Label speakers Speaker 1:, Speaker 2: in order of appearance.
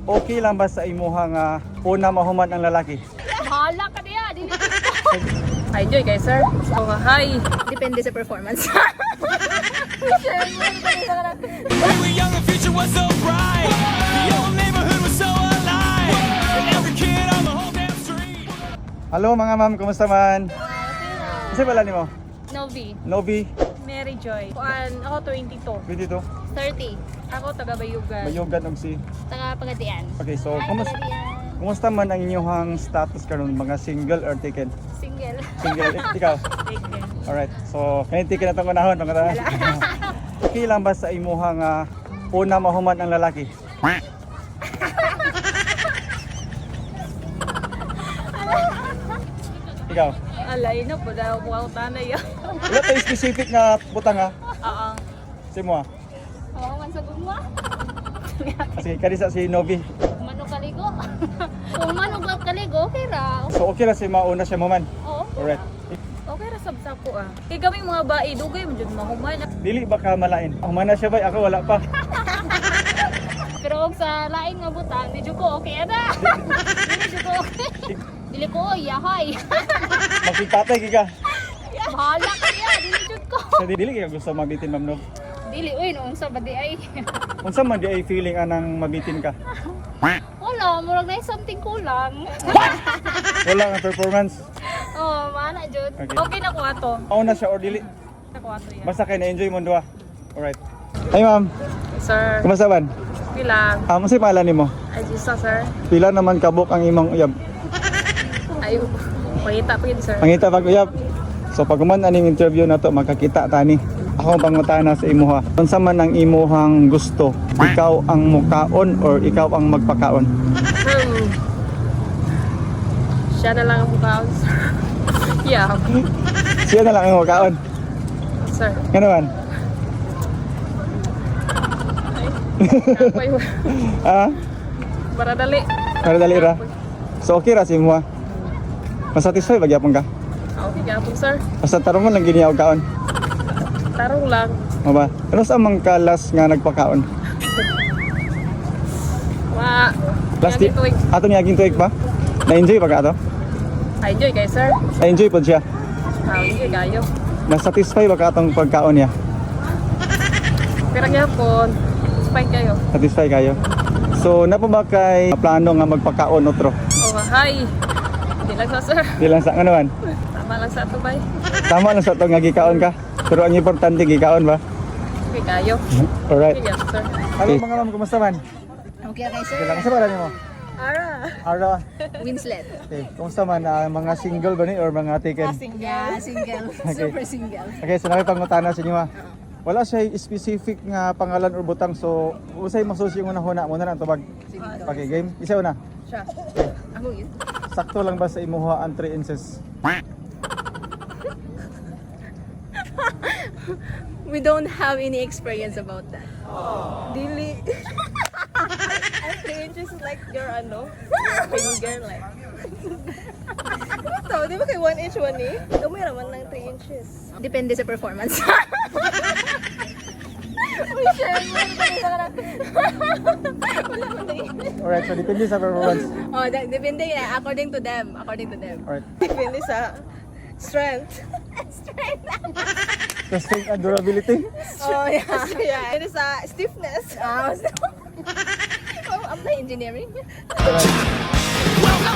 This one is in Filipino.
Speaker 1: Okay lang ba sa imuha nga una mahuman ang lalaki?
Speaker 2: Bahala ka niya.
Speaker 3: Enjoy kayo, sir. Oh, hi.
Speaker 2: Depende sa performance.
Speaker 4: We were young, the future was so bright. The old neighborhood was so alive. And every kid on the whole damn street.
Speaker 1: Hello mga ma'am, kumusta man? Kasi pala ni mo?
Speaker 2: Novi.
Speaker 1: Novi,
Speaker 3: Mary Joy. Ako 22.
Speaker 1: 22,
Speaker 2: 30.
Speaker 3: Ako taga Bayugan.
Speaker 1: Bayugan og si.
Speaker 2: Taga Pagadian.
Speaker 1: Okay, so kumusta man ang inyong status karon, mga single or taken?
Speaker 2: Single.
Speaker 1: Single, ikaw?
Speaker 3: Taken.
Speaker 1: Alright, so kanin tikin na itong unahon, mga tara. Okay lang ba sa imuha nga una mahuman ang lalaki? Ikaw?
Speaker 3: Alay na po daw po ako tanay.
Speaker 1: Wala tayo specific na butang ha?
Speaker 3: Oo.
Speaker 1: Si mo ha?
Speaker 2: Oo, man sa gumwa.
Speaker 1: Kasi kanisa si Novi.
Speaker 2: Manong kaligo. Kung manong kaligo, okay ra.
Speaker 1: So okay lang si mauna siya mahuman?
Speaker 2: Oo.
Speaker 1: Alright.
Speaker 3: Okay ra sabsa ko ah. Kay kaming mga bae dugay mo jud mahuman.
Speaker 1: Dili ba ka malain? Humana siya ba? Ako wala pa.
Speaker 2: Pero og sa lain nga butang, di jud ko okay ada. Dili jud ko okay. Dili ko yahay.
Speaker 1: Magpipatay ka.
Speaker 2: Bahala ka niya, dili jud ko.
Speaker 1: So dili ka gusto mabitin ma'am no?
Speaker 2: Dili uy noong sa badi ay.
Speaker 1: Unsa man di ay feeling anang mabitin ka?
Speaker 2: Wala, murag na something kulang.
Speaker 1: Wala nga performance.
Speaker 2: Oh, mana jud.
Speaker 1: Okay.
Speaker 3: Okay na ko ato.
Speaker 1: Mauna siya or dili?
Speaker 3: Na ko ato yan.
Speaker 1: Basta kay na-enjoy mo duha. Alright. Hey ma'am,
Speaker 3: Sir,
Speaker 1: kumusta man?
Speaker 3: bilang.
Speaker 1: Amo si pala nimo?
Speaker 3: Ay Gisa, sir.
Speaker 1: Pila naman kabuk ang imong uyab?
Speaker 3: Ayo. Pangita pa yun, sir.
Speaker 1: Pangita pag uyab. So pag man aning interview na to makakita tani. Ako ang pangutana sa imuha. Unsa man ang imuhang gusto? Ikaw ang mukaon or ikaw ang magpakaon?
Speaker 3: Siya na lang ang mukhaon, sir. Yeah,
Speaker 1: Siya na lang ang mukaon.
Speaker 3: sir.
Speaker 1: Ano man?
Speaker 3: Kapoy.
Speaker 1: Ha?
Speaker 3: Para dali.
Speaker 1: Para dali ra. So okay ra si imuha. Masatisfy ba gyapon ka?
Speaker 3: Okay, gapon, sir.
Speaker 1: Basta tarungon lang gini og kaon.
Speaker 3: Tarong lang.
Speaker 1: Mo ba? Ano sa mang kalas nga nagpakaon?
Speaker 3: Wa.
Speaker 1: Last
Speaker 3: Last tuig.
Speaker 1: ato niyaging tuig pa? Na-enjoy ba ka ato?
Speaker 3: Enjoy kayo, sir.
Speaker 1: Na-enjoy po siya.
Speaker 3: Enjoy kayo.
Speaker 1: Na-satisfy ba ka atong pagkaon niya?
Speaker 3: Pero gapon, spike kayo.
Speaker 1: Satisfy kayo? So, na po ba kay plano nga magpakaon otro?
Speaker 3: Oh, hi. Hindi lang sa, sir.
Speaker 1: Di lang sa ano man?
Speaker 3: Tama lang sa ito, bay.
Speaker 1: Tama lang sa ito nga gikaon ka. Pero ang importante gikaon ba?
Speaker 3: Okay, kayo.
Speaker 1: Alright.
Speaker 3: Okay, yes, sir.
Speaker 1: Hello mga ma'am, kumusta man?
Speaker 2: Okay kay
Speaker 1: Okay lang. Kasi pala mo?
Speaker 3: Ara.
Speaker 1: Ara.
Speaker 2: Winslet.
Speaker 1: Okay. Kumusta man? Mga single ba ni or mga taken?
Speaker 2: Yeah, single. Super single.
Speaker 1: Okay, so nakipangutana sa inyo ha. Wala siya specific nga pangalan or butang, so usay masusi yung unahuna mo na lang tubag pag game. Isa una.
Speaker 3: Siya.
Speaker 2: Ako yun.
Speaker 1: Sakto lang ba sa imuha ang 3 inches?
Speaker 5: We don't have any experience about that.
Speaker 3: Dili.
Speaker 5: And 3 inches is like your ano, your finger like. Ito, di ba kay 1 inch 1 eh? Gamay naman ng 3 inches.
Speaker 2: Depende sa performance.
Speaker 5: Uy, share mo. Wala man na yun.
Speaker 1: Alright, so depende sa performance.
Speaker 5: Oh, depende yan. According to them. According to them.
Speaker 1: Alright.
Speaker 5: Depende sa strength.
Speaker 1: The strength and durability.
Speaker 5: Oh, yeah. Yeah. It is stiffness.
Speaker 2: Ah,
Speaker 5: Oh, I'm not engineering.
Speaker 1: Alright.
Speaker 4: Well,